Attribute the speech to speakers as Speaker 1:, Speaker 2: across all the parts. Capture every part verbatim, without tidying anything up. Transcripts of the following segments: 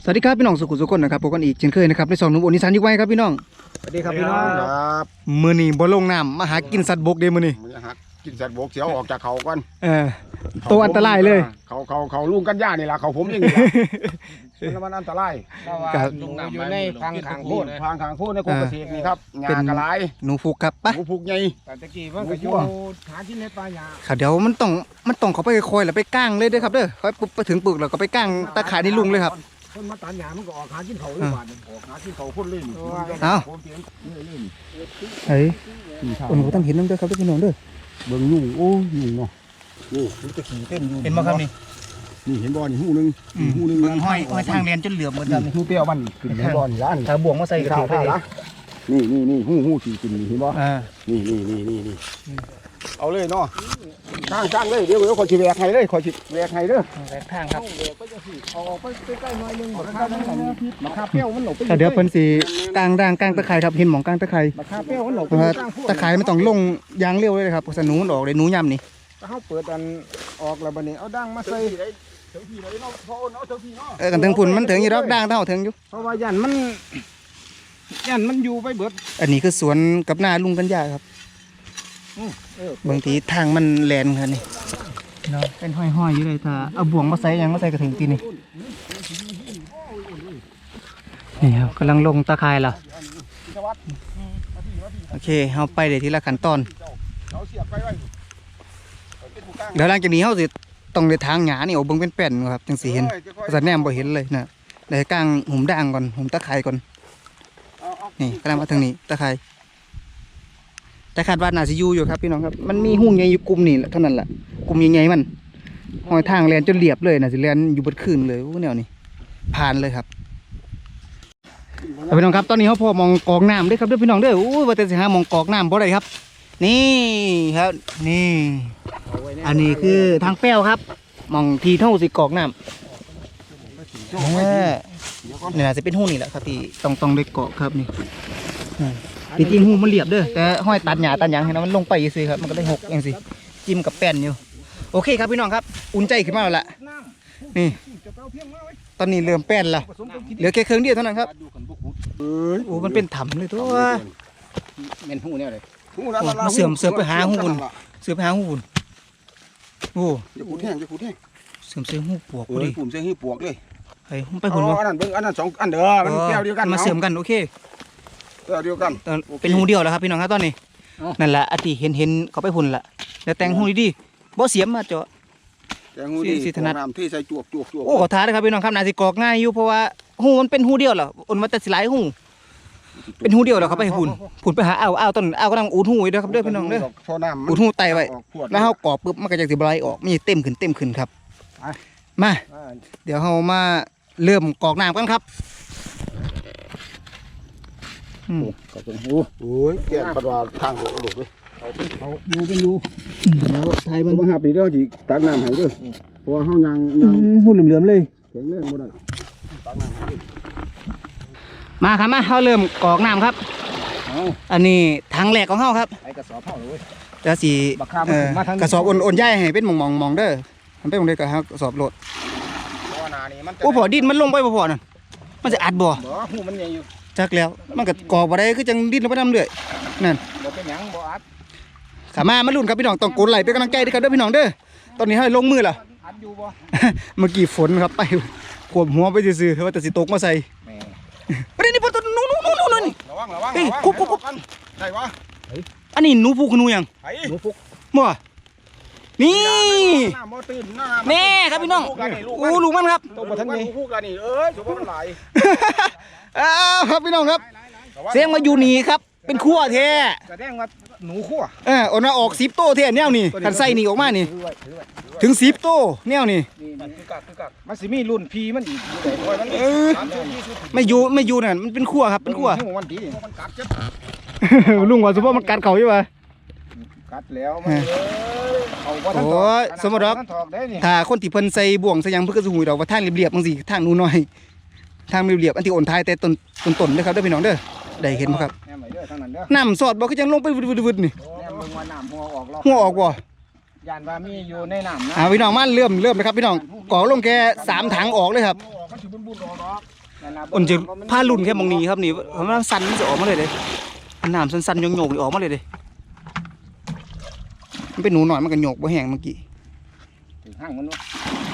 Speaker 1: สวัสดีครับพี่น้องสุขุสุขคนนะครับพบกันอีกเช่นเคยนะครับในสองหนุ่มโอนิสันยุคไว้ครับพี่น้อง
Speaker 2: สวัสดีครับพี่น้องครับ
Speaker 1: มื้อนี้บ่ลงน้ำมาหากินสัตว์บกเด้มื้อนี้
Speaker 2: มือหักกินสัตว์บกเสียวออกจากเขาก่อน
Speaker 1: เออตัวอันตรายเลย
Speaker 2: เขาเขาเขาลุงกันย่านี่แหละเขาผมอย่างนี้ละมันอันตรายอยู่ในพังขางโค่นพังขางโค่นในกรมเกษตรนี่ครับงากระไร
Speaker 1: หนูฟูกครับปะ
Speaker 2: หนูฟูกใหญ่ตะกี้มันก็อยู่หาที่ในป่าหญ้า
Speaker 1: ค่ะเดี๋ยวมันต้องมันต้องเขาไปคอยแล้วไปก้างเลยเด้อครับเด้อค่อยปุ๊บไปถึงปึกแล้วก็ไปก้างตะข่ายในลุงเลยครับ
Speaker 2: คนมาตัดหญ้ามันก็ออกหากินเขาเลยบาดออกหากินเขาคนเลย
Speaker 1: เอ้าเฮ้ยคนก็ต้องเห็นน้ำเด้อครับพี่น้องเด้อ
Speaker 2: เบิ่งยุ่งโอ้ยุ่งเนาะนี่มันจะขี่เต้นอยู่
Speaker 1: เห็นบ่ครับนี่
Speaker 2: นี่เห็นบ่อนี่หูนึงหูนึง
Speaker 1: เบิ่งห้อยห้อยทางเรียนจนเหลือมเหมือนกัน
Speaker 2: หูเปรี้ยวมันขึ้นในบ่อนี่ล้าน
Speaker 1: ถ้าบ่วงมาใส่กระถางไป
Speaker 2: นี่นี่นี่หูหูขี่ขึ้นนี่เห็นบ่
Speaker 1: อ่า
Speaker 2: นี่นี่นี่นี่นี่เอาเลยเนาะข้างข้างเลยเดี๋ยวเดี๋ยวขอชิแวกให้เลยขอชิแวกให้เด้อ
Speaker 1: แวกทางครับ
Speaker 2: ออกไปใกล้ๆหน่อยนึงมะขามมะขามเปรี้ยวมันหลบไป
Speaker 1: เดี๋ยวเพิ่นสิกลางด่างกลางตะไคร้ครับเห็นหม่องกลางตะไคร้
Speaker 2: มะขามเปรี้ยวมันหลบ
Speaker 1: ตะไคร้ไม่ต้องลงยางเร็วเลยครับสนูมันออกเลยหนูย่ำนี่
Speaker 2: ถ้าเขาเปิดอันออกแล้วบัดนี้เอาด่างมาใส่
Speaker 1: เออกันถึงพุ่นมันถึงอยู่ดอกด่างเท่าถึงอยู่
Speaker 2: เพราะว่ายันมันยันมันอยู่ไปเบิด
Speaker 1: อันนี้คือสวนกับนาลุงกันยาครับบางทีทางมันแลนครับนี่เนาะเป็นห้อยๆอยู่เลยถ้าเอาบ่วงมาใส่ยังมาใส่กระถึงตีนี่นี่ครับกำลังลงตะไคร้ละโอเคเอาไปเดี๋ยวทีละขั้นตอนเดี๋ยวหลังจากนี้เขาสิต้องในทางหยานี่เอาเบิ้งเป็นแป้นครับจังสีเห็นภาษาแนมบ่เห็นเลยนะเดี๋ยวกลางหุ่มด่างก่อนหุ่มตะไคร้ก่อนนี่กำลังมาทางนี้ตะไคร้แต่คาดว่าน่าจะอยู่อยู่ครับพี่น้องครับมันมีหุ่งใหญ่อยู่กลุ่มนี่เท่านั้นแหละกลุ่มใหญ่ๆมันหอยทางแลนจนเรียบเลยน่าจะแลนอยู่บนคืนเลยแนวนี้ผ่านเลยครับพี่น้องครับตอนนี้เขาพอมองกองน้ำด้วยครับด้วยพี่น้องด้วยโอ้ยว่าแต่สิหามองกองน้ำเพราะอะไรครับนี่ครับนี่อันนี้คือทางแป้วครับมองทีเท่าสิกอกน้ำนี่น่าจะเป็นหูนี่แหละครับที่ต้องต้องได้เกาะครับนี่จริงๆหูมันเรียบเด้อแต่ห้อยตัดหญ้าตัดหยางให้นะมันลงไปสิครับมันก็ได้หกอย่างสิจิ้มกับแป้นอยู่โอเคครับพี่น้องครับอุ่นใจขึ้นมาแล้วล่ะนี่ตอนนี้เริ่มแป้นแล้วเหลือแค่เครื่องเดียวเท่านั้นครับโอ้มันเป็นถ้ำเลยตัว
Speaker 2: เป็นหูเนี่ยเลย
Speaker 1: มาเสื่อมเสื่อมไปหาหูนเสื่อมไปหาหูนโอ้
Speaker 2: จะพูดแห้งจะพูดแห้ง
Speaker 1: เสื่อมเสื่อมหูปวก
Speaker 2: ดิปุ่มเสื่อมหูปวกเลย
Speaker 1: ไอ้ไปหุ่นวะ
Speaker 2: อันนั้นเบิ้งอันนั้นสองอันเด้อมันแก้วเดียวกัน
Speaker 1: มาเสื่อมกันโอเค
Speaker 2: แก้วเดียวกัน
Speaker 1: เป็นหูเดียวแล้วครับพี่น้องครับตอนนี้นั่นแหละอติเห็นเห็นเขาไปหุ่นละแล้วแต่งหูดีๆบ่เสียมมาเจาะ
Speaker 2: แต่หูดีสิถนัดน้ำที่ใส่จวกจวกจวก
Speaker 1: โอ้ขอท้าเลยครับพี่น้องครับน่าสิกอกง่ายอยู่เพราะว่าหูมันเป็นหูเดียวเหรออุ่นมาแต่สิหลายหูเป็นหูเดียวแล้วเขาไปหุ่นหุ่นไปหาเอาเอาต้นเอาก็นั่งอูดหูด้วยครับด้วยพี่น้องด้วยอูดหูไตไว้แล้วเขากรอบปุ๊บมันก็จะสิบไหลออกไม่เต็มขึ้นเต็มขึ้นครับมาเดี๋ยวเรามาเริ่มกอกน้ำกันครับ
Speaker 2: อืมก็เป็นหูโอ้ยแก่ปัดว่าทางหัวกระดูกเลยเอาดูเป็นดู
Speaker 1: ไทยมัน
Speaker 2: มาหาปีเดียวจีตักน้ำให้ด้วยเพราะว่าเขายังยัง
Speaker 1: หูเหลือมๆเลย
Speaker 2: แข็งแรงหมดเลยตักน้ำให้
Speaker 1: มาครับมาเขาเริ่มกอกน้ำครับอันนี้ทางแหลกของเขาครับ
Speaker 2: ไอ้กระสอบเขาเลย
Speaker 1: จะสีกระสอบอ่อนๆใหญ่ให้เป็นมองๆมองเด้อมันเป็นมองเด้อกระสอบโหลดโอ้พอดินมันลงไปพอๆนั่นมันจะอัดบ่
Speaker 2: หูมันใหญ่อยู่
Speaker 1: จักแล้วมันก็กอกบ่ได้คือจังดินลงไปน้ำเรื่อยนั่น
Speaker 2: บ่เป็นหยังบ่อัด
Speaker 1: ขามามาลุ้นครับพี่น้องต้องกดไหลเป็นกำลังใจด้วยกันเด้อพี่น้องเด้อตอนนี้ให้ลงมือล่ะ
Speaker 2: อัดอยู่บ่
Speaker 1: เมื่อกี้ฝนครับไปขวบหัวไปซื่อๆว่าแต่สิตกมาใส่ประเด็นนี้พอตัวนู้นนู้นนู้นนู้น
Speaker 2: ระวังระวัง
Speaker 1: เฮ้ยคุบคุบคุบ
Speaker 2: ได้วะ
Speaker 1: อันนี้หนูพุกหนูยัง
Speaker 2: หนูพุก
Speaker 1: มั่วนี่นี่ครับพี่น้องโอ้ลูกมันครับ
Speaker 2: ตัวมาทั้งนี้พุกกันนี่เอ้ยสุภาพมันไหล
Speaker 1: อ้าวครับพี่น้องครับเสียงมาอยู่นี่ครับเป็นขั้วแท้
Speaker 2: แสดงว่าหนูขั้ว
Speaker 1: เออเอาหน้าออกสิบโต้แท้แนวนี่กันใส่นี่ออกมานี่ถึงสิบโต้แนวนี่
Speaker 2: มันสิมีรุ่นพีมันอีก
Speaker 1: ไม่อยู่ไม่อยู่นั่นมันเป็นขั้วครับเป็นขั้วลุงว่าสมมติมันกัดเขาใช่ไหม
Speaker 2: กัดแล้ว
Speaker 1: โอ้ยสมมติว่าถ้าคนที่เพิ่นใส่บ่วงใส่ยังเพื่อจะหูดอกว่าทางเรียบๆบางสิทางนูน้อยทางเรียบๆอันที่อ่อนท้ายแต่ต้นต้นต้นเลยครับเด้อพี่น้องเด้อได้เห็นไหมครับน้ำสอดบอกก็ยังลงไปวึดๆนี่หัวออกบ่
Speaker 2: ยานว่ามีอยู่ในน้ำนะ
Speaker 1: อ่าพี่น้องมาเริ่มเริ่มเลยครับพี่น้องก่อลงแค่สามถังออกเลยครับอุ่นจะผ้าลุ่นแค่มองนี้ครับนี่เพราะมันสั่นมันจะออกมาเลยเลยน้ำสั่นๆโยกๆออกมาเลยเลยมันเป็นหนูหน่อยมันก็โยกบ่แห้งเมื่อกี้
Speaker 2: ถึงห้างมันวะ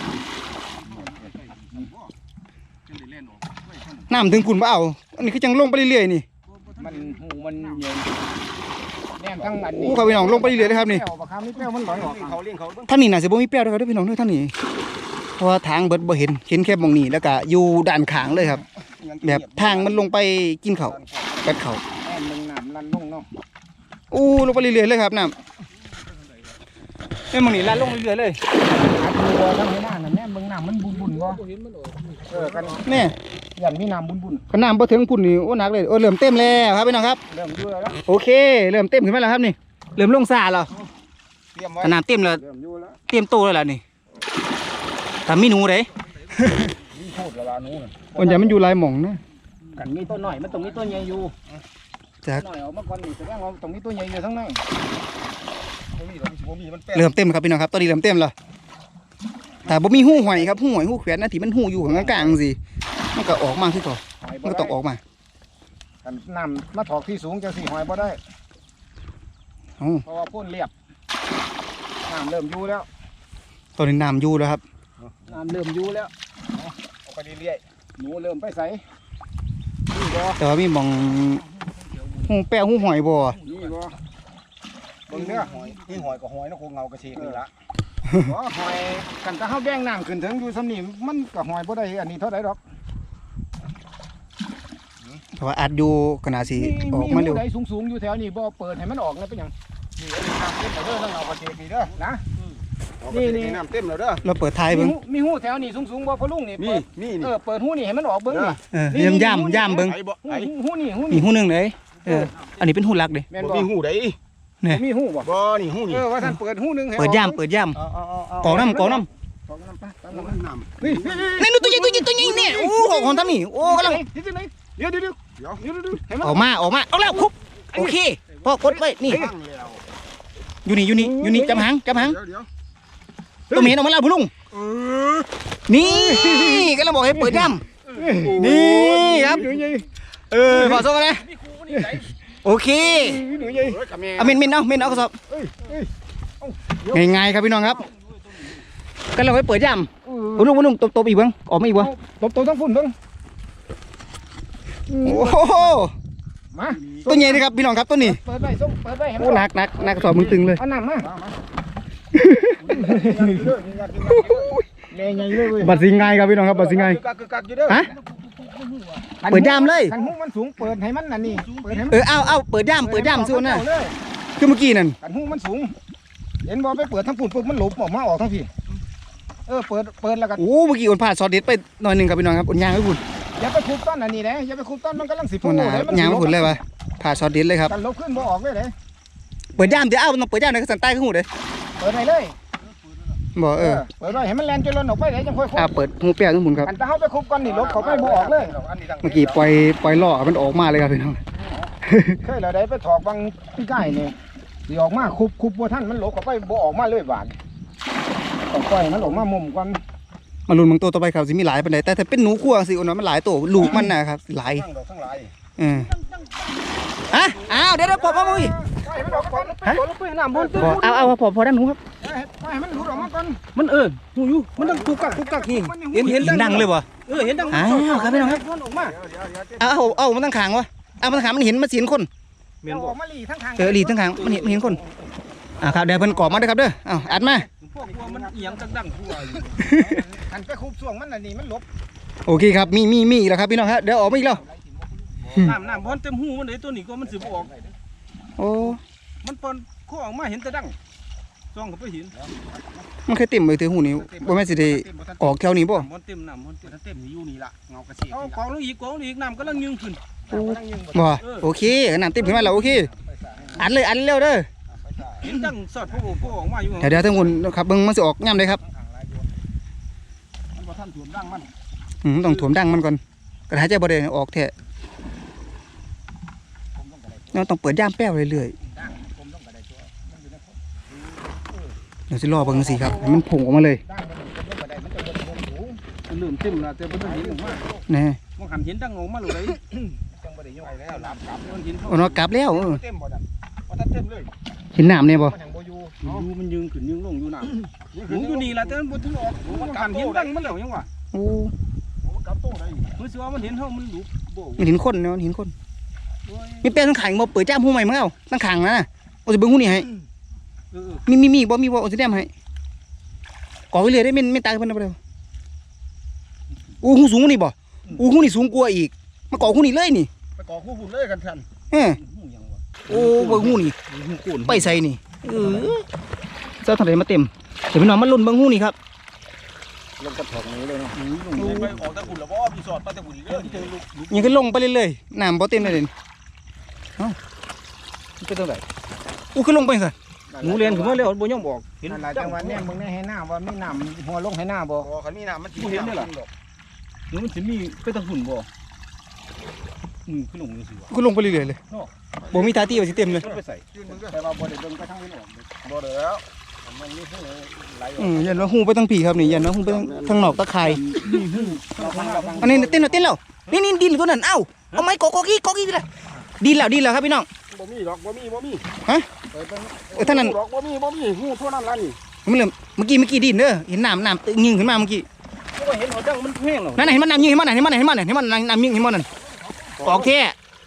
Speaker 1: น้ำถึงพุ่นบ่เอาอันนี้คือจังลงไปเรื่อยๆนี่
Speaker 2: มันหูมันเย็นแน่นทั้งอัน
Speaker 1: โอ้
Speaker 2: นี้
Speaker 1: ครับพี่น้องลงไปเรื่อยๆเลยครับนี่
Speaker 2: เปรี้ยวปะครับนี่เปรี้ยวมันลอยออกเขาเลี้ยงเขาเบิ่ง
Speaker 1: ท่านนี่น่าจะบ่มีแป้วด้วยครับพี่น้องเด้อท่านนี่เพราะว่าทางเบิดบ่เห็นเห็นแค่มองนี้แล้วก็อยู่ด้านข้างเลยครับ แบบทางมันลงไปกินเขาวกัดเขาว
Speaker 2: แน่นมึงน้ำลันลงเนาะ
Speaker 1: อู้ลงไปเรื่อยๆเลยครับน้ำแม่มองนี้ลัดลงเรื่อยๆเลย
Speaker 2: อัดตัวทั้งให้หน้าน่ะแน่นมึงน้ำมันบุญบุญบ่เออกัน
Speaker 1: แม่
Speaker 2: ยันมีน้ำบุญบุญ
Speaker 1: ขนาดบ่ถึงพุ่นนี่โอ้หนักเลยโอ้เริ่มเต็มแล้วครับพี่น้องครับ
Speaker 2: เริ่มอยู่แล้ว
Speaker 1: โอเคเริ่มเต็มขึ้นมาแล้วครับนี่เริ่มลงซาแล้ว
Speaker 2: เตรียมไว้
Speaker 1: ขนาดเต็มแล้ว
Speaker 2: เริ่มอยู่แล้ว
Speaker 1: เตรียมโตแล้วล่ะนี่แต่มีหนูเด้
Speaker 2: มีโคตรละลานู้น
Speaker 1: คนอย่ามันอยู่หลายหม่องนะ
Speaker 2: กันมีต้นหน่อยมันตรงนี้ต้นใหญ่อยู่
Speaker 1: จัก
Speaker 2: หน่อยออกมาก่อนนี่แสดงว่าตรงนี้ต้นใหญ่อยู่ทั้งนั้นบ่มีหรอกบ่มีมันแป้ง
Speaker 1: เริ่มเต็มครับพี่น้องครับตอนนี้เริ่มเต็มแล้วแต่บ่มีหูหอยครับหูหอยหูแขวนนะที่มันหูอยู่ข้างกลางๆสิมันก็ออกมาคือก่อนมันก็ต้องออกมา
Speaker 2: กันน้ำมาถอกที่สูงจังสี่หอยบ่ได้
Speaker 1: เอ้า
Speaker 2: เพราะว่าพ่นเรียบน้ำเริ่มอยู่แล้ว
Speaker 1: ตอนนี้น้ำอยู่แล้วครับ
Speaker 2: น้ำเริ่มอยู่แล้วเอาไปเรื่อยๆหนูเริ่มไปใส่นี่บ่
Speaker 1: แต่ว่ามีหม่องหูแป้วหูหอยบ่
Speaker 2: นี่บ่เบิ่งเด้อหอยนี่หอยกับหอยนกคงเงากระเชกนี่ละบ่หอยกันถ้าเฮาแบ่งน้ำขึ้นถึงอยู่ซ้ำนี่มันก็หอยบ่ได้อันนี้เท่าใดดอก
Speaker 1: เพราะว่าอัดอยู่ก็น่าสิออกมาเร็ว
Speaker 2: หูใดสูงๆอยู่แถวนี้บ่เปิดให้มันออกนะเป็นหยังนี่อันนี้น้ำเต็มแล้วเด้อทั้งเงากระเชกนี่เด้อนะนี่นี่น้ำเต็มแล้วเด้อ
Speaker 1: เราเปิดท้าย
Speaker 2: มี
Speaker 1: เบิ่ง
Speaker 2: หูมีหูแถวนี้สูงๆบ่พอลุงนี่
Speaker 3: มี
Speaker 2: เปิด
Speaker 3: มี
Speaker 2: เอ
Speaker 3: นี่
Speaker 2: อเปิดหูนี่ให้มันออกเบิ่งนี่
Speaker 1: เออย่ำย่ำย่ำเบิ่ง
Speaker 3: ไอ้บ่
Speaker 2: หู
Speaker 3: ไอ้
Speaker 2: หูนี่หู
Speaker 1: มี
Speaker 2: นี่
Speaker 1: หูหนึงเลยเอออันนี้เป็นหูหลักเด้
Speaker 2: แม่น
Speaker 3: บ่
Speaker 2: บ่
Speaker 3: มีหูใด
Speaker 1: เนี่ย
Speaker 2: มีหูบ่
Speaker 3: บ่นี่หูนี่
Speaker 2: เออว่าท่านเปิดหูหนึงให้
Speaker 1: เปิด
Speaker 2: ออก
Speaker 1: ย่ำเปิดย่
Speaker 2: เอาเอาเอาเอา
Speaker 1: ำกองน้ำกองน้
Speaker 2: กองน้ำไปตาม
Speaker 3: น้
Speaker 2: น้ำ
Speaker 3: น้
Speaker 2: นี่
Speaker 1: ำนี่นู่นตัวใหญ่ตัวใหญ่ตัวใหญ่เนี่ยโอ้ออกของทำนี่โอ้กำลัง
Speaker 2: เดี๋ยวเดี๋ยวเดี๋ยวเดี๋ยวเดี๋ยวเดี๋ยวเดี๋ยวให้มัน
Speaker 1: ออกมาออกมาเอาแล้วคุบโอเคพ่อกดไว้นี่
Speaker 3: ำตั้งแล้ว
Speaker 1: อยู่นี่อยู่นี่อยู่นี่จับหางจับหาง
Speaker 3: เดี๋ยวเดี๋ยว
Speaker 1: ตัวเหม็นออกมาแล้วพุ่ง
Speaker 3: เออ
Speaker 1: นี่ก็เราบอกให้เปิดย่ำนี่ครับเออขอโซ่กันนะโอเค
Speaker 2: หนูใหญ่
Speaker 3: เฮ้ยกับแม่
Speaker 1: เอาเมนเมนเอาเมนเอากระสอบ
Speaker 2: เอ้ยเอ้ยเอ้า
Speaker 1: ง่ายๆครับพี่น้องครับก็เราให้เปิดย่ำพุ่งพุ่งตบตบอีกบ้างออกมาอีกบ้าง
Speaker 2: ตบตัวต้องฝุ่นเบิ่ง
Speaker 1: โอ้โห
Speaker 2: มา
Speaker 1: ตัวใหญ่เลยครับพี่น้องครับตัวนี้
Speaker 2: เปิดไว้ส่งเปิดไว้ให้มั
Speaker 1: โอ้
Speaker 2: น
Speaker 1: หนักหนักหนักกระสอบมึงตึงเลย
Speaker 2: เอาน้ำมาแม่ใหญ่เลยเว้ย
Speaker 1: บัดสิงไงครับพี่น้องครับบัดสิงไง
Speaker 2: กึกกักกึกกักอยู่เด้อ
Speaker 1: ฮะเปิดย่ำเลย
Speaker 2: คันหูมันสูงเปิดให้มันน่ะนี่เปิดให้มัน
Speaker 1: เออเอาเอาเปิดย่ำเปิดย่ำซิวน่ะคือเมื่อกี้นั่น
Speaker 2: คันหูมันสูงเห็นบ่ไปเปิดทั้งปุ่นปุ๊บมันหลบออกมาออกทั้งพี่เออเปิดเปิดแล้วก็
Speaker 1: โอ้เมื่อกี้อุ่นพลาดซอสเด็ดไปหน่อยหนึ่งครับพี่น้องครับอุ่นยางไม่พุ่น
Speaker 2: อย่าไปคุบต้นอันนี้นะอย่าไปคุบต้นมันกำลังสิ
Speaker 1: อุ่นหนายางไม่พุ่นเลยวะพลาดซอสเด็ดเลยครับ
Speaker 2: กันลบขึ้นบ่ออกเลยเลย
Speaker 1: เปิดย่ำเดี๋ยวเอาต้องเปิดย่ำในกระสันใต้ขึ้นหูเลย
Speaker 2: เปิดให้เลย
Speaker 1: บอกเออ
Speaker 2: เปิดไว้ให้มันแลนจนล้นออกไปเลยจังค่อยคุบ
Speaker 1: อ่าเปิดหูเปียกขึ้นหมุนครับ
Speaker 2: กันถ้าเขาไปคุบก้อนนี่ลบเขาไม่บ่ออกเลย
Speaker 1: เมื่อกี้ปล่อยปล่อยล่อมันออกมาเลยครับพี่น้อง
Speaker 2: เคยเราได้ไปถอกบางพี่ไก่นี่สิออกมาคุบคุบบ่ท่านมันหลบเขาไปบ่ออกมาเลยบาดต้องปล่อยมันออกมามุมก่อน
Speaker 1: มาลุ้นบางตัวต่อไปครับสิมีหลายปานใดแต่ถ้าเป็นหนูขั้วสิอุ่นว่ามันหลายตัวลูกมันนะครับหลาย
Speaker 2: ทั้งดอกทั้งหลาย
Speaker 1: เออฮะอ้าวเดี๋ยวเดี๋ยวพอพอมุ้ย
Speaker 2: ปล่อยมันออกก่อนตัวลงไปน้ำบนตึ้ง
Speaker 1: พอเอาเอาพอพอด้านหนูครับ
Speaker 2: ปล่อยให้มันหลุดออกมาก่อน
Speaker 4: มันเออหูอยู่มันต้องกุกกักกุกกักนี่เห็นเห็น
Speaker 1: ดังเลยบ่
Speaker 4: เออเห็นดัง
Speaker 1: อ้าวครับพี่น้องครับ
Speaker 2: มันออกมา
Speaker 1: เอาเอาเอามันตั้งขางวะเอามันตั้งขางมันเห็นมันเห็นคน
Speaker 4: เมียน
Speaker 2: เอา
Speaker 4: บ
Speaker 2: อ
Speaker 4: อ
Speaker 2: อก กมาหลีทั้งทาง
Speaker 1: เออหลีตั้งขางมันเห็นมันเห็นคนอ่าครับเดี๋ยวเพิ่นกรอบมาเด้อครับเด้อเอาอัดมา
Speaker 4: พวกว่ามันเอียงดังดังทั่วอยู่
Speaker 2: หันไปคุบช่วงมันน่ะนี่มันหลบ
Speaker 1: โอเคครับมีมีมีอีกแล้วครับพี่น้องครับเดี๋ยวออกมาอีกแล้ว
Speaker 4: น้ำน้ำพอนเต็มหูมันเลยตัวนี้ก็มันสิบออก
Speaker 1: โอ้
Speaker 4: มันปอนข้อออกมาเห็นแต่ดังจ้องเขาไปเห็น
Speaker 1: มันเคยเต็มไปถือหูนี่บ่แม่นสิได้ออกแถวนี้บ่
Speaker 4: น้ำมันเต็มน้ำมันเต็มเต็มอยู่นี่ละเงากระเชกเอากองลงอีกกองลงอีกน้ำก็ลังยึงขึ้น
Speaker 1: บ่โอเคน้ำเต็มขึ้นมาแล้วโอเคอัดเลยอัดเร็วเด้อ
Speaker 4: เห็นดังสอดพวกพวกออกมาอยู่
Speaker 1: เดี๋ยวเดี๋ยวทั้งหมดครับเบิ่งมันสิออกย่ำเลยครับ
Speaker 2: มันบ่ทันถ่วมดังมัน
Speaker 1: อืมต้องถ่วมดังมันก่อนกระหายใจบ่ได้ออกแท้เราต้องเปิดย่ามแป้วเรื่อยๆเดี๋ยวสิรอเบิ่งสิครับให้มันผงออกมาเลย
Speaker 2: ดังมันลงไปได้มันจะลงลงสูง
Speaker 4: มันเริ่มเต็มแล้วแต่มันเห็นออกมา
Speaker 1: แน่
Speaker 4: มมันหันเห็นดังออกมาเลย
Speaker 2: จังบ่ได้ย่อยแล้วหลับกลับ
Speaker 4: มันเห็น
Speaker 1: เอาเนาะกลับแล้วเออ
Speaker 2: เต็มบ่ดันว่าถ้าเต็มเลย
Speaker 1: เห็นน้ำเนี่ยบ่
Speaker 2: มันยังบ่อยู่
Speaker 4: อยู่มันยืนขึ้นยืนลงอยู่น่ะหนูอยู่นี่ล่ะแต่มันบ่ถึงออกมันหันเห็นดังมันแล้วยังวะ
Speaker 1: โอ้
Speaker 2: มันกลับโตได้
Speaker 4: รู้สึกว่ามันเห็นเฮามันหลุบโบ
Speaker 1: มันเห็นคนเนาะมันเห็นคนมีเป้ทั้งขังบ่เปิดจ้ามหูใหม่มึงเอาทั้งขังนะน่ะเอาสิเบิ่งหูนี่ให้
Speaker 4: เออ
Speaker 1: มีมีมีบ่มีบ่เอาสิแนมให้ก่อไว้เลยได้แม่นแม่นตายเพิ่นเอาไปเลยอู้หูสูงกว่านี่บ่อู้หูนี่สูงกว่าอีกมาก่อหูนี่เลยนี่
Speaker 2: ไปก่อคู่หุ่นเลยกันทัน
Speaker 1: เออ
Speaker 4: หูยังวะ
Speaker 1: โอ้เบิ่งหูนี่
Speaker 4: หูกูน
Speaker 1: ไปใส่นี่เออเจ้าทางไหนมาเต็มเดี๋ยวพี่น้องมาลุ้นเบิ่งหูนี่ครับ
Speaker 2: ลงกระถางนี้เลยเนาะ
Speaker 4: ไปออกตะกุนแล้วบ่มีสอดไปตะกุนเด้อเจอลูก
Speaker 1: ยังก็ลงไปเรื่อยๆน้ำบ่เต็มเลยเด่นเอ้ามันเป็นตรงไหนอู้ขึ้นลงไปซะ
Speaker 4: หนูเรียนขึ้นมาแล้วบ่ยอมบอกเห็น
Speaker 2: นั่นแหละจังหวะนี้มึงได้ให้หน้าว่ามีน้ำหัวลงให้หน้าบ่คันมีน้ำมันสิ
Speaker 4: เห็นได้ล่ะหนูมันสิมีไปตะกุนบ่อืมขึ้นลงจังซี่วะ
Speaker 1: ขึ้นลงไปเรื่อยๆเลยบ่มีตาตี้ว่าสิเต็มเลย
Speaker 4: มันไปใส่
Speaker 2: ยืนมึงแต่ว่าบ่ได้เบิ่งไปทางนี้หรอกบ่ได้แล้วมันมีเพิ่งไหลอ
Speaker 1: อื
Speaker 2: อก
Speaker 1: มยันว่าหูไปทางผีครับนี่ยันว่าหูไปทางทางนอกตะไคร่
Speaker 2: ระวังระวัง
Speaker 1: อันนี้เต้นแล้วเต้นแล้วนี่นี่ดินตัวนั้นเอ้าเอาไม้กอกอกอีกอกอีกเลยดินแล้วดินแล้วครับพี่น้อง
Speaker 2: บ่มีดอกบ่มีบ่มี
Speaker 1: ฮะ
Speaker 2: ไปเบิ่ง
Speaker 1: เออท่านนั้น
Speaker 2: ดอกบ่มีบ่มีหูเท่านั้นล่ะนี่
Speaker 1: มันเริ่มเมื่อกี้เมื่อกี้ดินเด้อเห็นน้ำน้ำตึงยิงขึ้นมาเมื่อกี้
Speaker 4: ก็เห็นหัวดังมันแห้งแล้ว
Speaker 1: นั่นน่ะเห็นมันน้ำยิงเห็นมันน่ะเห็นมันน่ะเห็นมันน่ะเห็นมันน้ำยิงเห็นมันนั่นกอกแท้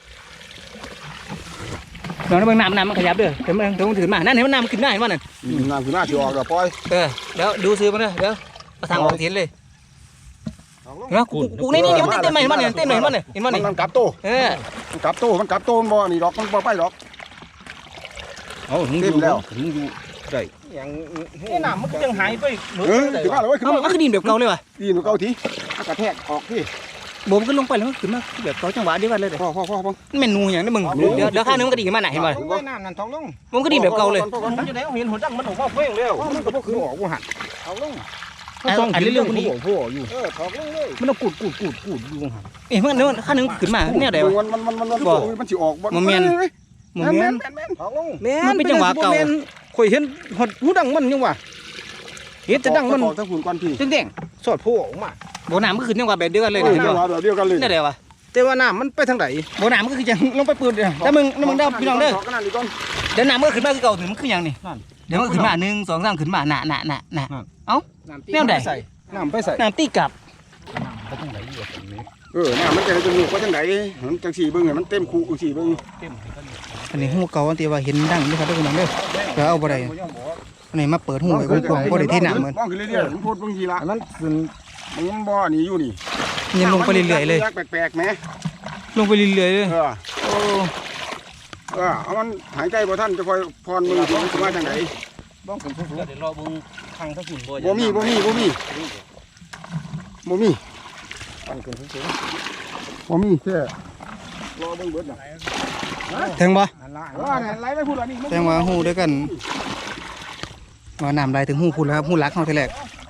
Speaker 1: เดี๋ยวนะเบิ่งน้ำน้ำมันขยับเด้อเดี๋ยวมันเดี๋ยวมันถือมานั่นเห็นมันน้ำขึ้นหน้าเห็นมันนั่น
Speaker 2: น้ำคือหน้าสิออกแล้วปล่อย
Speaker 1: เออเดี๋ยวดูซื้อมันเด้อเดี๋ยวเอาทางออกเห็นเลยเห็นไหมกูกูนี่นี่นี่มันเต้นเต้นมาเห็นมันเนี่ยเต้นมาเห็นมันเนี่ยเห็นมัน
Speaker 2: มัน
Speaker 1: เนี่ย
Speaker 2: มันกลับโต
Speaker 1: เออ
Speaker 2: มันกลับโตมันกลับโตมันบ่นี่ดอกมันบ่ไปดอก
Speaker 4: เอาหนูอยู่แล้วหนูอยู่ได้
Speaker 2: อย่าง
Speaker 4: นี่น้ำมันก็ยังหายไป
Speaker 2: เออขึ้นมาเลยขึ้น
Speaker 1: เอา
Speaker 2: มา
Speaker 1: มันคือดินแบบเก่าเลยว่ะ
Speaker 2: ดีมันเก่าทีมันกระแทกออกที่
Speaker 1: โบมนก็ลงไปแล้วมันขึ้นมาแบบเก่าจังหวะเดียวกันเลยเด้อ
Speaker 2: พ่อพ่อพ่อพ่อ
Speaker 1: มันเป็นนูอย่างนี้มึงเดี๋ยวเดี๋ยวข้างนึงมันก็ดีขึ้นมาหน่ะเห็นป่ะ
Speaker 2: ลงไว้น้ำนั่นทองลง
Speaker 1: มันก็ดีแบบเก่าเลย
Speaker 4: มันจะได้เห็นหัวดังมันออกมาเฟ้งแล้ว
Speaker 2: มันก็บ่คือออกบ่หันเอาลง
Speaker 1: อันเรื่องคนนี้
Speaker 4: พ่ออยู่
Speaker 2: เออถอกลงเลย
Speaker 4: มันต้องกูดกูดกูดกูดอยู่หัน
Speaker 1: เอ้ยมันเดี๋ยวข้างนึงขึ้นมาแนวใดวะ
Speaker 2: มันมันมันมันมันสิออก
Speaker 1: บ่แม่น โมเมนต์
Speaker 2: แม่นถอกลง
Speaker 1: มันเป็นจังหวะเก่า
Speaker 4: ข่อยเห็นหัดหูดังมันยังวะเห็นจะดังมัน
Speaker 2: ออกทั้งฝุ่นก่อนพี่
Speaker 4: แดงๆสอดโผล่ออกมา
Speaker 1: โบน้ำมันก็ขึ้นจังหวะแบบเดียวกันเลย
Speaker 2: เออ
Speaker 1: เห็น
Speaker 2: จังห
Speaker 1: ป่ะ
Speaker 2: วะเดียวกันเลย
Speaker 1: แนวใดวะ
Speaker 4: แต่ว่าน้ำมันไปทางไหน
Speaker 1: โบน้ำมันก็คือจังลงไปปืนเด้อแต่มึงมึงเด้อพี่น้องเด้อ
Speaker 2: ถอกกันนั่นดีก่อน
Speaker 1: เดี๋ยวน้ำมันก็ขึ้นมาคือเก่าถึงมันคือหยังนี่เดี๋ยวมันก็ขึ้นมาหนึ่งสองสามขึ้นมาหนะหนะหนะหนะ แนวใด
Speaker 2: น้ำไปใส่
Speaker 1: น้ำตีกลับ
Speaker 4: ไปทางไหนอยู่ตรงนี้
Speaker 2: เออน้ำมันจะจะหนุกว่าจังไหนมันจังสี่เบิ่งให้มันเต็มคูจังสี่เบิ่ง
Speaker 4: เต็มให้กัน
Speaker 1: อันนี้หูเก่าอันที่ว่าเห็นดังนี่ครับทุกคนเด้อเดี๋ยวเอาบ่ได้อันนี้มาเปิดหูไว้กว้างๆบ่ได้เทน้ำเหมือน
Speaker 2: มองขึ้นเรื่อยๆมันพูดบางทีละมันขึ้นมันบ่อนี่อยู่นี่
Speaker 1: ยังลงไปเรื่อยๆเลย
Speaker 2: แปลกๆแหม
Speaker 1: ลงไปเรื่อยๆเลย
Speaker 2: เออ
Speaker 1: โอ้
Speaker 2: เออเอามันหายใจบ่ทันจะคอยพรมือถึงสิมาจังไหน
Speaker 4: บ้องขึ้นสูงๆเดี๋ยวรอเบิ่งทางทางฝุ่นบ่
Speaker 2: บ่มีบ่มีบ่มีบ่มี
Speaker 4: ตั้งขึ้นสูง
Speaker 2: บ่มีแค่รอเบิ่งเบิดน่ะ
Speaker 1: ถึงบ่
Speaker 2: อันละเออนั่นไหลไปพูดอันนี้
Speaker 1: แสดงว่าหูด้วยกันว่าน้ำไหลถึงหูพูดแล้วครับหูรักเขาทีแรก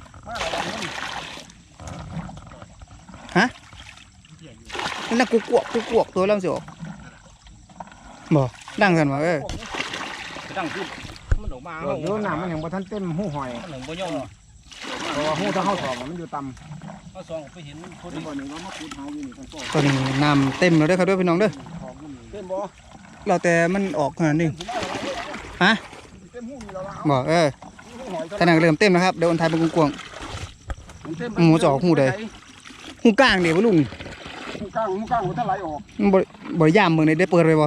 Speaker 1: ฮะนั่นน่ะกูกวกกูกวกตัวแล้วมันสิออกบ่ดังกันวะเออ
Speaker 4: ๆตั้งขึ้นมันออกมา
Speaker 2: เดี๋ยวน้ำมันยังบ่ทันเต็มหูหอย
Speaker 4: มันหนึ่งบ่ยอม
Speaker 2: เพราะว่าหูถ้าเฮาถอกมันอยู่ต่ำ
Speaker 4: เอาซองไปเห็นคน
Speaker 2: เดี๋ยวบ่นี่ว่ามาขุดหาอยู่นี่กันก็
Speaker 1: ตอนนี้น้ำเต็มแล้วเด้อครับเด้วยพี่น้องเด้อ
Speaker 2: ถอกอยู่นี่เต็มบ่
Speaker 1: เราแต่มันออกขนาดนี้ฮะ
Speaker 2: เต็มหูนี่แล้วล่ะ
Speaker 1: บ่เออ
Speaker 2: หูหอย
Speaker 1: ขนาดเริ่มเต็มแล้วครับเดี๋ยวอันทายเป็นกวง
Speaker 2: มันเต็ม
Speaker 1: หมูจะออกหูใด ๆหูกลางเดี๋ยวบ่ลุง
Speaker 2: หูกลางหูกลางมันถ้าไหลออก
Speaker 1: มันบ่บ่ย่ามเบิ่งได้ได้เปิดไว้บ่
Speaker 2: รอ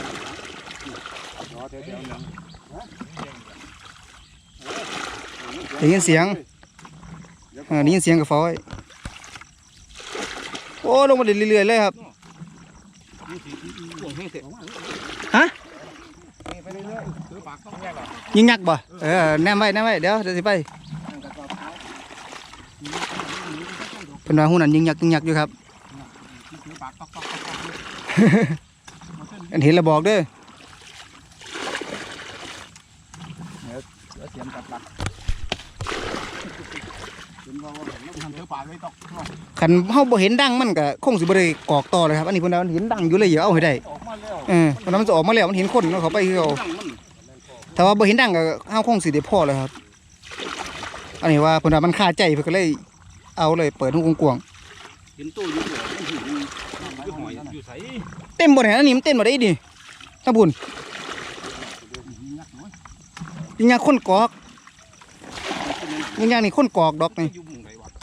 Speaker 2: แถวๆนั้น
Speaker 1: ได้ยินเสียงอ่าได้ยินเสียงกับฟ้อยโอ้ลงมาเรื่อยๆเลยครับ
Speaker 4: ห่วงให้เสร็จ
Speaker 1: ฮะ
Speaker 2: ไปเรื่อยๆถือปากต้องแยกออก
Speaker 1: ยิงยักษ์บ่เออแนมไว้แนมไว้เดี๋ยวเดี๋ยวสิไปเป็นว่าหูนั้นยิงยักษ์ยิงยักษ์อยู่ครับ
Speaker 2: ถือปากตอกๆ
Speaker 1: อันเห็นแล้วบอกเด้อ
Speaker 2: ๆเดี๋ยวเสียงกัดหลักเป็นว่าว่าเราทำถือปากไว้ตอก
Speaker 1: คันเฮาบ่เห็นดังมันก็คงสิบ่ได้กอกต่อเลยครับอันนี้เพิ่นว่ามันเห็นดังอยู่เลยอย่าเอาให้ได้
Speaker 4: ออกมาแล้ว
Speaker 1: เออเพราะนั้นมันจะออกมาแล้วมันเห็นคนเนาะเขาไปคือเขา
Speaker 4: ดังมัน
Speaker 1: แต่ว่าบ่เห็นดังก็เฮาคงสิได้พอเลยครับ อันนี้ว่าเพิ่นว่ามันคาใจเพิ่นก็เลยเอาเลยเปิดหูกว้าง
Speaker 4: เห็นตู้อยู่หัวมันถึงอยู่ใส่
Speaker 1: เต็มบ่เนี่ยอันนี้มันเต็มบ่ได้ดิถ้าบุญยิงยาคนกอกยิงยานี่คนกอกดอกนี่
Speaker 4: อยู่หมู่ไหนวะ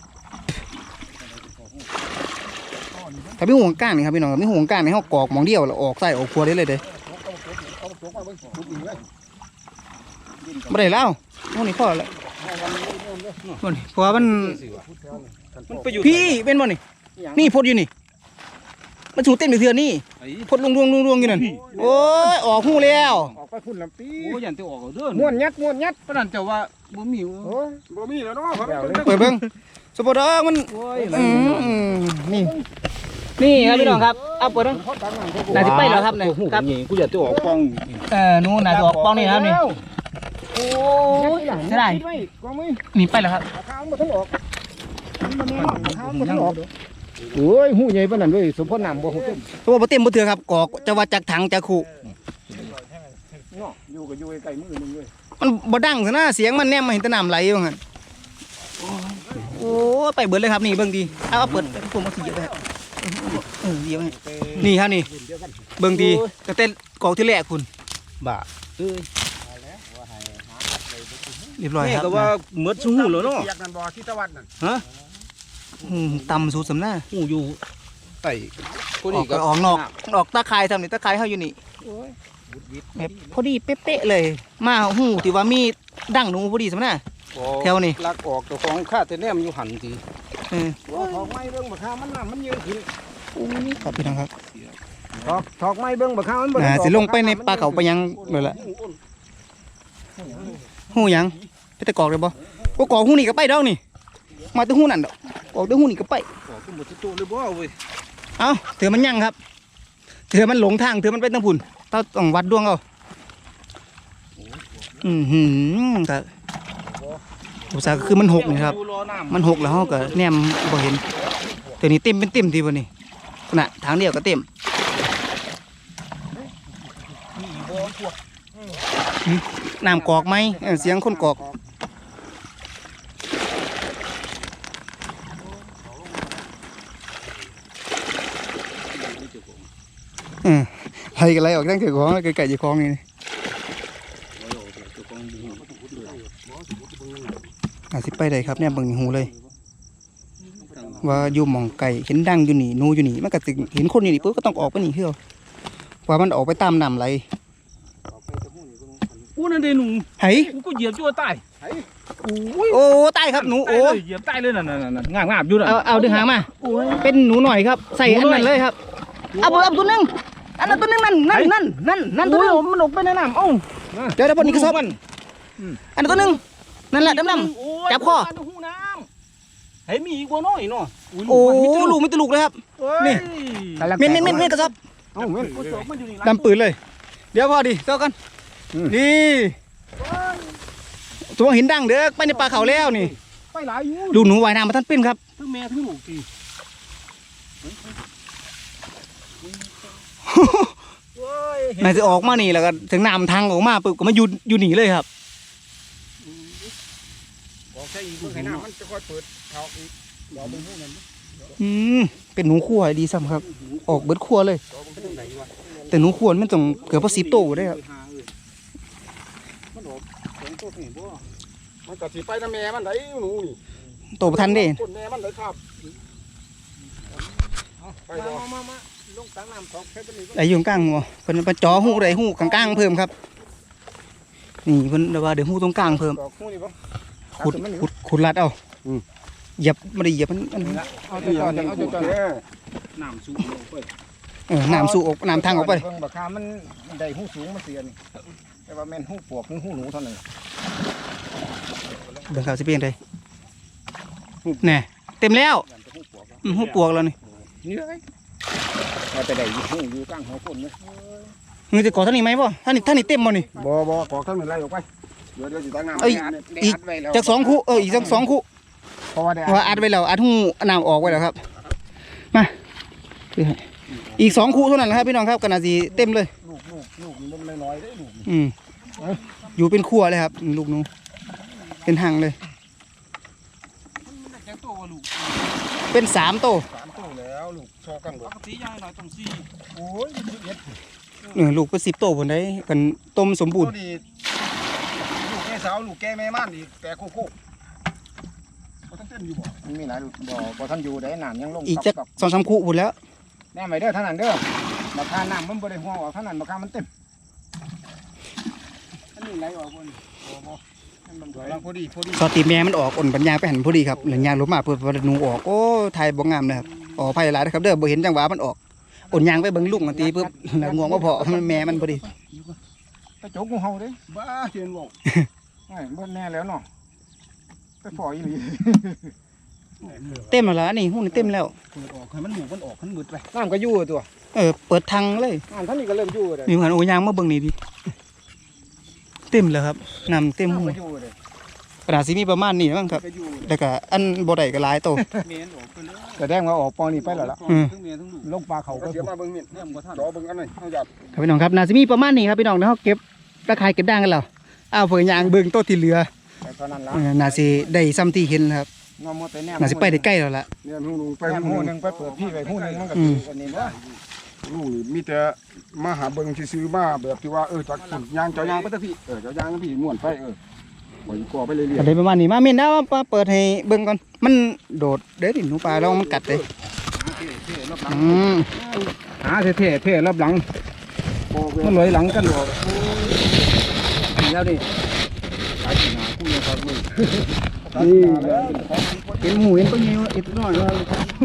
Speaker 1: ถ้ามีห่วงก้านนี่ครับพี่น้องมีห่วงก้านในเฮากอกหมองเดียวแล้วออกใส่ออกครัวได้เลยเด้
Speaker 2: เอาตัวมาเบิ่งขุดอีกเลย
Speaker 1: บ่ได้แล้วโน่นนี่พอแล้วบ่นี่เพราะว่ามัน
Speaker 4: มันไปอยู่
Speaker 1: พี่เป็นบ่นี่นี่พดอยู่นี่มันสูเต้นไปเทื่อนี่
Speaker 4: ไอ้
Speaker 1: พดลงรวงๆๆอยู่นั่นโอ้ยออกหูแล้ว
Speaker 2: ออกไปพุ่นลำปี
Speaker 4: โอ้ยันจะออกเอาเด้อ
Speaker 2: ม้วนยัดม้วนยัด
Speaker 4: ปานนั้นเจ้าว่าบ่มี
Speaker 2: โอ้ยบ่มีแล้วเนาะ
Speaker 1: เปิดเบิ่งสปอร์ตมัน
Speaker 4: โอ้ย
Speaker 1: อืมนี่นี่ครับพี่น้องครับเอาเปิดดูน่าจะไปแล้วครับเนี่ยครับ
Speaker 4: นี่กูอยากจะออกป้อง
Speaker 1: เออนู่นน่าจะออกป้องนี่นะครับนี่โอ้ยเสียดาย
Speaker 2: กองมือ
Speaker 1: นี่ไปแล้วครับ
Speaker 2: ขาข้างมาทั้งออกมันแน่นอนขาข้างมาทั้งออกโอ้ยหูใหญ่ปานนั้นเว้ยสมพรน้ำบ่หูเต็ม
Speaker 1: ตัวบ่เต็มบ่เถื่อครับกอกจะว่าจากถังจากขู่
Speaker 2: เนาะอยู่ก็อยู่ใกล้มือนึงเลย
Speaker 1: มันบ่ดังซะนะเสียงมันแนมมาเห็นแต่น้ำไหลว่างั้นโอ้ยไปเบิดเลยครับนี่เบิ่งดีเอาเอาเปิดผมเอาสิเหยียบไปครับเออเหยียบให้นี่ครับนี่เบิ่งดีก็เต้นกอกที่แรกคุณบ่า
Speaker 4: เอ้ย
Speaker 1: เรียบร้อย
Speaker 4: แม่
Speaker 1: ครับ
Speaker 4: ก็ว่าหมดสู้แล้วเนาะ
Speaker 2: เปียกนั่นบ่ที่ตะวันนั่น
Speaker 4: ฮะ
Speaker 1: อืมต่ำสุดสำหน้า
Speaker 4: หูอยู่ไอ้
Speaker 1: ออกก็ออกนอกออกตะไคร้ทำนี่ตะไคร้เฮาอยู่นี่แบบพอดีเป๊ะๆเลย มาหูที่ว่ามีดั้งหนูพอดีสำหน้า แถวนี่
Speaker 4: ลักออกตัวของข้าแต่แนมอยู่หันที
Speaker 1: เออ
Speaker 2: ถอกไม้เบิ่งบักข้ามันน้ำมันยืนขึ้น
Speaker 1: ครับพี่น้องครับ
Speaker 2: ถอกถอกไม้เบิ่งบักข้ามันบ่
Speaker 1: น่าสิลงไปในป่าเขาไปยังเลยล่ะหูหยังไปตะกอกเลยบ่บ่กอกหูนี่ก็ไปดอกนี่มาแตะหูนั่นดอกกอกแตะหูนี่ก็ไป
Speaker 4: ออกก็หมดตัวเลยบ่เว้ย
Speaker 1: เอ้าเถื่อมันยังครับเถื่อมันหลงทางเถื่อมันไปทางพุ่นเราต้องวัดดวงเอาอือหือก็อุตส่าห์คือมันหกนี่ครับ
Speaker 4: อยู่รอน้ำ
Speaker 1: มันหกแล้วเราก็แนมบ่เห็นตัวนี้เต็มเป็นเต็มทีบ่นี่น่ะทางเดียวก็เต็มอืมน้ำกอกไหมเออเสียงคนกอกเออไล่กันไล่ออกตั้งแต่ของแล้วไก่ๆจะคล้องนี่อาจสิไปได้ครับเนี่ยเบิ่งหูเลย ว่าอยู่หม่องไก่เห็นดังอยู่นี่หนูอยู่นี่มันก็สิเห็นคนอยู่นี่ปุ๊บก็ต้องออกไปนี่เพื่อว่ามันออกไปตามน้ำไหล
Speaker 4: กูนั่นเด้หนู
Speaker 1: ไห้
Speaker 4: กูก็เหยียบจั่วตายโอ้ย
Speaker 1: โอ้ตายครับหนูโอ้
Speaker 4: ตายเลยเหยียบตายเลยนั่นๆๆงามๆอยู่น่ะ
Speaker 1: เอาเอาดึงหางมาเป็นหนูหน่อยครับใส่อันนั้นเลยครับเอาเอาตัวหนึงอันนั้นตัวหนึงนั่นนั่นนั่นนั่นนั่นตัวหนึง
Speaker 4: มันออกไปในน้ำเอ้า
Speaker 1: เดี๋ยวเดี๋ยวพอนี้กระสอบอันนั้นตัวหนึงนั่นแหละดำๆจับคอ
Speaker 4: หูน้ำเฮ้ยมีอีกบ่น้อยเนาะ
Speaker 1: โอ้ลูกไม่ตลูกเลยครับ นี่ เม่นเม่นเม่นเม่นกระสอบ
Speaker 2: เอ้าเม่น
Speaker 4: กูจบมันอยู่นี่
Speaker 1: ดำปืนเลย เดี๋ยวพอดีเจ้ากันนี่ตัวหินดังเด้อไปในป่าเขาแล้วนี่
Speaker 2: ไปหลายอยู่
Speaker 1: ดูหนูว่ายน้ำมาท่านปิ้นครับ
Speaker 4: ทั้งแม่ทั้งลูกที
Speaker 1: น่าจะออกมานี่แล้วก็ถึงน้ำทางออกมาปุ๊บก็มาอยู่อยู่หนีเลยครับ
Speaker 2: บอกใช่อีกเบิ่งให้น้ำมันจะค่อยเปิดถอกอีกเดี๋ยวเบิ่งหูนั่น
Speaker 1: อืมเป็นหนูขั่วดีซ้ำครับ ออกเบิดขั่วเลย แต่หนูขั่วมันต้องเกือบพอสิบโตได้ครับ
Speaker 2: มันออกสองตัวนี่บ่มันก็สิไปนำแม่มันได้หนูนี่
Speaker 1: โตประทันเด้
Speaker 2: คนแม่มันเลยครับไปบ่มามาลงตังน้ำถอกแค่ตัวนี้
Speaker 1: ไอ้อยู่กลางหัวเพิ่นมาจ่อหูได้หูกลางๆเพิ่มครับ นี่เพิ่นว่าเดี๋ยวหูตรงกลางเพิ่ม
Speaker 2: ถอกหูนี่บ่
Speaker 1: ขุดขุดขุดลัดเอาเหยียบไม่ได้เหยียบมันมัน
Speaker 2: เอาจอนเอาจอน
Speaker 4: น้ำสูงลงไป
Speaker 1: เออน้ำสู่ออกน้ำทางออกไป
Speaker 2: เบิ่งบักคามันได้หูสูงมันเสียนี่แต่ว่าแม่นหูปวกหรือหูหนูเท่านั้น
Speaker 1: เบิ่งเขาสิเป็นจังไดแน่เต็มแล้วอืมหูปวกแล้วนี่
Speaker 2: นี่เลยเอาไปได้หูอยู่กลางหัวคนเลย
Speaker 1: มึงจะก่อเท่านี้ไหมบ่ท่านี้ท่านี้เต็มบ่นี่
Speaker 2: บ่บ่ขอทั้งนั้นไล่ออกไปเดี๋ยวเดี๋ยวสิตังน้ำ
Speaker 1: เอ้ยอีก จากสองคู่เอออีกจากสองคู่
Speaker 2: เพราะว่าได้
Speaker 1: ว่าอัดไว้แล้วอัดหูน้ำออกไว้แล้วครับมาอีกสองคู่เท่านั้นแหละครับพี่น้องครับก็น่าสิเต็มเลย
Speaker 2: ลูกลูกลูกมันน้อยๆได้ลูก
Speaker 1: อืมอยู่เป็นครัวเลยครับลูกหนูเป็นหังเลย
Speaker 4: แกตัวลูก
Speaker 1: เป็นสามโต
Speaker 2: สามตัวแล้วลูกโชว์กันหม
Speaker 4: ป
Speaker 2: ด
Speaker 4: กติยายหน่อยต้องสี่
Speaker 2: โอ้ยสิบเอ็ด
Speaker 1: เออลูกเป็นสิบโตผลได้กันต้มสมบูรณ์
Speaker 2: ตัวนี้ลูกแก่สาวลูกแก่แม่ม่านอีกแต่โคโค่บ่ทันเต้นอยู่บ่มันมีหลายลูกบ่บ่ทันอยู่ได้น้ำยังลง
Speaker 1: อีกจักสองสามคู่ผลแล้ว
Speaker 2: แน่ไว้เด้อเท่านั้นเด้อมาทานน้ำมันบ่ได้ห่วงออกเท่านั้นมาคามันเต็มอันนี้ไหลออกบ่นี่บ่บ่ให้มันไหลพอดีพอดี
Speaker 1: สอตีแม่มันออกอ่อนปัญญางไปหันพอดีครับหลังยางลบมาเปิดประตูออกโอ้ไทยบ่งามเลยครับอ๋อไผ่หลายนะครับเด้อบ่เห็นจังหวะมันออกอ่อนยางไปเบิ่งลูกมันตีปุ๊บแล้วงวงว่าพอมันแม่มันพอดี
Speaker 2: ไปโจกงูเห่าเด้บ้าเทียนบอกไอ้เบิ่นแน่แล้วเนาะไปฝอยอีหลี
Speaker 1: เต็มแล้วล่ะนี่หุ้นเต็มแล้ว
Speaker 4: เปิดออกให้มันหมูมันออกให้มันมืดไป
Speaker 2: น้ำก็อยู่ตัว
Speaker 1: เออเปิดทางเลย
Speaker 2: น้ำท่านนี้ก็เริ่มอยู่เลย
Speaker 1: มีเหมือนโอ้ยางมาเบิ่งนี่พี่เต็มแล้วครับน้ำเต็มหู
Speaker 2: น้ำก็อยู่เลย
Speaker 1: ขนาดสิมีประมาณนี้มั้งครับ
Speaker 2: ก็อยู่เลย
Speaker 1: แล้วก็อันบ่ได้ก็หลายโต
Speaker 4: เมนออกไปเลย
Speaker 2: แต่แดงว่าออกปอนี่ไปแล้วล่ะ
Speaker 1: อืม
Speaker 4: ทั้งเมนทั้งลูก
Speaker 2: ลงปลาเขาก็
Speaker 3: เดี๋ยวมาเบิ่งมิด
Speaker 4: เนี่ยมันก็ท่าน
Speaker 3: จอเบิ่งอันหน่อยเอาหยัด
Speaker 1: ครับพี่น้องครับน่าสิมีประมาณนี้ครับพี่น้องเดี๋ยวเฮาเก็บตะไคร้เก็บด่างกันแล้วอ้าวเพิ่นยางเบิ่งโตที่เหลือ
Speaker 2: แต่ตอนนั้นละ
Speaker 1: เออน่าสิได้ซ้ำที่เห็นแล้วครับ
Speaker 2: งอมแต่แนม
Speaker 1: น่าสิไปได้ใกล้แล้วล่ะ
Speaker 3: เนี่ยหูลุงไป
Speaker 2: แนม
Speaker 3: หู
Speaker 2: หู
Speaker 3: ห
Speaker 2: ห
Speaker 3: นึ
Speaker 2: นึ่
Speaker 3: ง
Speaker 2: งไปเปิดพี่ไปหูหนึ่งมันก็
Speaker 1: อื
Speaker 2: คื
Speaker 1: ม
Speaker 2: ออันนี้ว่า
Speaker 3: ลุงนี่มีแต่มาหาเบิ่งซื้อๆมาแบบที่ว่าเออจากฝุ่นยางเจ้ายางไปเถอะพี่เออเจ้ายางพี่ม่วนไปเออปล่อยก่อไปเรื่อย
Speaker 1: ก็ได้ประมาณนี้มาเม่นนะมาเปิดให้เบิ่งก่อนมันโดดเด้อดิหนูปลาแล้วมันกัดเลยอืม
Speaker 2: หาเท่ๆเท่รับหลัง
Speaker 3: ๆโอ้เว้
Speaker 2: มัน
Speaker 3: ย
Speaker 2: ลอยหลังกันหรอกแล้วนี่
Speaker 3: หากินหาคู่ยังครับมึง
Speaker 2: นี่เห็นหมูเห็นตัวนี้อีกน้อยเลย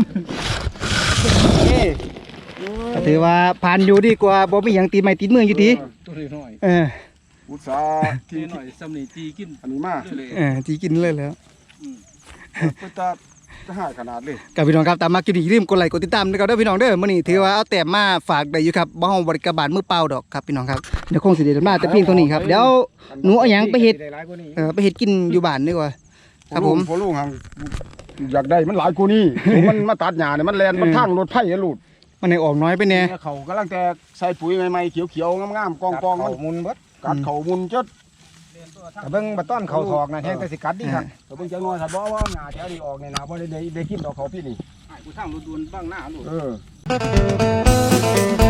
Speaker 2: เอ้
Speaker 1: ก็ถือว่าผ่านอยู่ดีกว่าบ่มีหยังตีไม้ตีมืออยู่ดี
Speaker 4: ตัวน้อย
Speaker 1: เออ
Speaker 3: อุตสาห์
Speaker 4: ที
Speaker 3: ที่
Speaker 4: หน่อยซ้ำนี่ตีกิน
Speaker 3: อันนี้มา
Speaker 4: เลย
Speaker 1: เออจีกินเลยแล้ว
Speaker 3: เพิ่นจะจะหายขนาดเลย
Speaker 1: กับพี่น้องครับตามมากินอีกลืมกดไลค์กดติดตามด้วยครับเด้อพี่น้องเด้อมื้อนี้ถือว่าเอาแต้มมาฝากได้อยู่ครับบ่เฮาบริการบาลมือเปล่าดอกครับพี่น้องครับเดี๋ยวคงสิได้มาแต่เพียงเท่านี้ครับเดี๋ยว หนูเอาหยังไปเฮ็ด เออไปเฮ็ดกินอยู่บ้านดีกว่า ครับผม
Speaker 3: พอลุงหังอยากได้มันหลายกูนี่มันมาตัดหญ้าเนี่ยมันแล่นมันทางรถไผ่อะลูก
Speaker 1: มันให้ออกน้อยไปแน่
Speaker 3: เขากำลังแต่ใส่ปุ๋ยใหม่ๆเขียวๆงามๆกองๆมัน
Speaker 2: มุนเบิด
Speaker 3: กัดเขามุนจด
Speaker 2: แต่เบิ่งบัดต้นเขาถอกนะแห้งแต่สิกัดดีครับ
Speaker 3: แต่เพิ่งจังน้อยครับบ่ว่าหญ้าแถวนี้ออกเนี่ยนะบ่ได้ได้ได้กินดอกเขาพี่นี่
Speaker 4: ไอ้กูทางรถด่วนบ้างหน้าลูก
Speaker 3: เออ